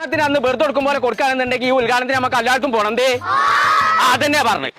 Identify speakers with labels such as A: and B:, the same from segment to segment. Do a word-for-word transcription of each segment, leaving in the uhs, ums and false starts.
A: ഉദ്ഘാടനത്തിന് അന്ന് വെറുതെ കൊടുക്കും പോലെ കൊടുക്കുകയാണെന്നുണ്ടെങ്കിൽ ഈ ഉദ്ഘാടനത്തിന് നമുക്ക് എല്ലാവർക്കും പോണം എന്തേ അതന്നെയാ പറഞ്ഞു.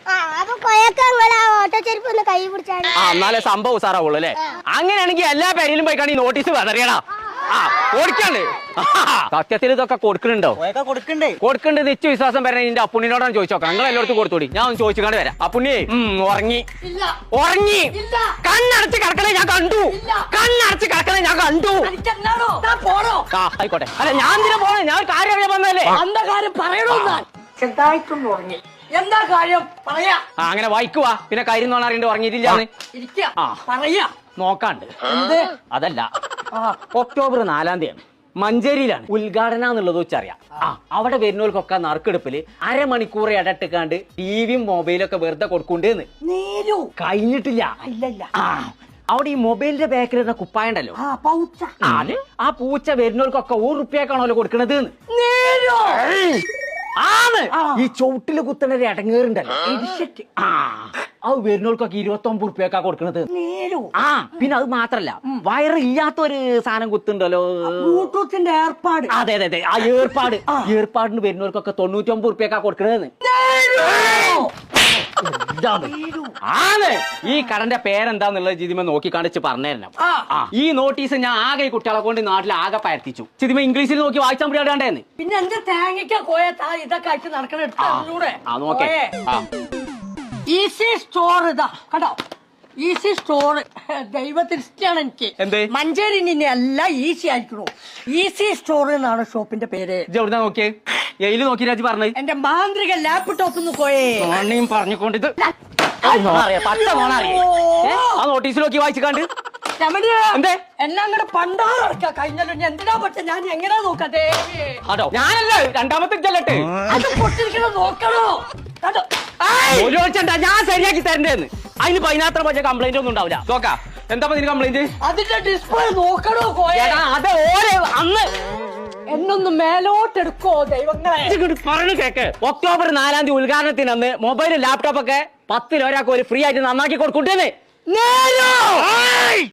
A: ആ എന്നാലേ സംഭവം സാറാവുള്ളൂ അല്ലേ? അങ്ങനെയാണെങ്കിൽ എല്ലാ പേരിലും പോയിക്കാണ് ഈ നോട്ടീസ് വെതറിയടാ. ആ ഓടിക്കാണ്ട് സത്യത്തിൽ ഇതൊക്കെ കൊടുക്കുന്നുണ്ടോ?
B: കൊടുക്കണ്ടേ
A: കൊടുക്കണ്ട് നിശ്ച വിശ്വാസം വരണേ നിന്റെ അപ്പുണ്ണിനോടാണ് ചോദിച്ചോക്കാം. നിങ്ങൾ എല്ലായിടത്തും കൊടുത്തോടി. ഞാൻ ഒന്ന് ചോദിച്ചുകൊണ്ട് വരാം. അപ്പുണ്ണി ഉറങ്ങി ഉറങ്ങി കണ്ണടച്ച് കിടക്കണേ ഞാൻ കണ്ടു. കണ്ണടച്ച് കിടക്കണേ ഞാൻ കണ്ടു. ആ ആയിക്കോട്ടെ. അല്ല ഞാൻ എന്തിനാ പോണേ? ഞാൻ ഒരു കാര്യം അറിയാൻ വന്നല്ലേ.
C: എന്താ കാര്യം പറയണോ? ചെറുതായിട്ടൊന്ന് ഉറങ്ങി. എന്താ കാര്യം പറയാ.
A: ആ അങ്ങനെ വായിക്കുവാ. പിന്നെ കാര്യം നോണ അറിയണ്ട ഉറങ്ങിയിട്ടില്ലാന്ന്
C: പറയാ
A: നോക്കാണ്ട്. അതല്ല ഒക്ടോബർ നാലാം തീയതി മഞ്ചേരിയിലാണ് ഉദ്ഘാടനം എന്നുള്ളത് വെച്ചറിയാം. ആ അവിടെ വരുന്നവർക്കൊക്കെ നറുക്കെടുപ്പില് അരമണിക്കൂർ ഇടട്ടിക്കാണ്ട് ടിവിയും മൊബൈലും ഒക്കെ വെറുതെ കൊടുക്കണ്ടേന്ന്. കഴിഞ്ഞിട്ടില്ല. ആ അവിടെ ഈ മൊബൈലിന്റെ ബാക്കിൽ ഇരുന്ന കുപ്പായ ഉണ്ടല്ലോ അത് ആ പൂച്ച വരുന്നവർക്കൊക്കെ ഒരു റുപ്യക്കാണല്ലോ കൊടുക്കണത്. ആണ് ഈ ചുവട്ടില് കുത്തണ ഒരു ഇടങ്ങേറുണ്ടല്ലോ ആ അത് വരുന്നവർക്കൊക്കെ ഇരുപത്തി ഒമ്പത് റുപ്യക്കാ കൊടുക്കണത്. ആ പിന്നെ അത് മാത്രല്ല വയറില്ലാത്ത ഒരു സാധനം കുത്തുണ്ടല്ലോ
C: ബ്ലൂടൂത്തിന്റെ ഏർപ്പാട്.
A: അതെ അതെ അതെ ആ ഏർപ്പാട് ഏർപ്പാടിന് വരുന്നവർക്കൊക്കെ തൊണ്ണൂറ്റി ഒമ്പത് റുപ്യക്കാ കൊടുക്കണതെന്ന്. ആണ് ഈ കടന്റെ പേരെന്താന്നുള്ളത് ജിതിമ നോക്കി കാണിച്ച് പറഞ്ഞുതരണം. ഈ നോട്ടീസ് ഞാൻ ആകെ ഈ കുട്ടികളെ കൊണ്ട് നാട്ടിൽ ആകെ പരത്തിച്ചു. ജിതിമ ഇംഗ്ലീഷിൽ നോക്കി വായിച്ചാൽ മുടിയാണ്ടേന്ന്.
C: പിന്നെ എന്റെ തേങ്ങയ്ക്ക കോയത്താ ഇതൊക്കെ അയച്ച് നടക്കണൂടെ. ഈസി സ്റ്റോർ ഇതാ കണ്ടോ. ഈസി സ്റ്റോർ ദൈവത്തിന് ഇഷ്ടമാണ് എനിക്ക്. മഞ്ചേരി അല്ല ഈസി ആയിരിക്കണു. ഈസി സ്റ്റോർ എന്നാണ് ഷോപ്പിന്റെ പേര്.
A: എവിടുന്നാ നോക്കിയേ? എയില് നോക്കി രാജി പറഞ്ഞത്.
C: എന്റെ മാന്ത്രിക ലാപ്ടോപ്പ് പോയേ
A: പറഞ്ഞുകൊണ്ടിത് ആ നോട്ടീസ് നോക്കി വായിച്ചു കണ്ട്
C: എന്നെ അങ്ങനെ പണ്ടാറടക്കാ കഴിഞ്ഞല്ലോ. എന്തിനാ പറ്റ ഞാൻ എങ്ങനെയാ നോക്കട്ടെ.
A: അതോ ഞാനല്ല രണ്ടാമത്തെ ചെല്ലട്ടെ
C: അത് പൊട്ടിരിക്കണോ നോക്കണോ.
A: ഞാൻ ശരിയാക്കി തരണ്ടേന്ന്. അതിന് പതിനാത്ര പറ്റ കംപ്ലൈന്റ് ഒന്നും ഉണ്ടാവില്ല. നോക്കാം എന്താ നിന് കംപ്ലൈന്റ്?
C: അതിന്റെ ഡിസ്പ്ലേ നോക്കണോ
A: അത് ഓരോ അന്ന്
C: എന്നൊന്ന് മേലോട്ടെടുക്കോ ദൈവങ്ങളെ.
A: പറഞ്ഞു കേക്ക്. ഒക്ടോബർ നാലാം തീയതി ഉദ്ഘാടനത്തിന് അന്ന് മൊബൈലും ലാപ്ടോപ്പ് ഒക്കെ പത്തിൽ ഒരാൾക്ക് ഒരു ഫ്രീ ആയിട്ട് നന്നാക്കി കൊടുക്കൂട്ടേന്ന്.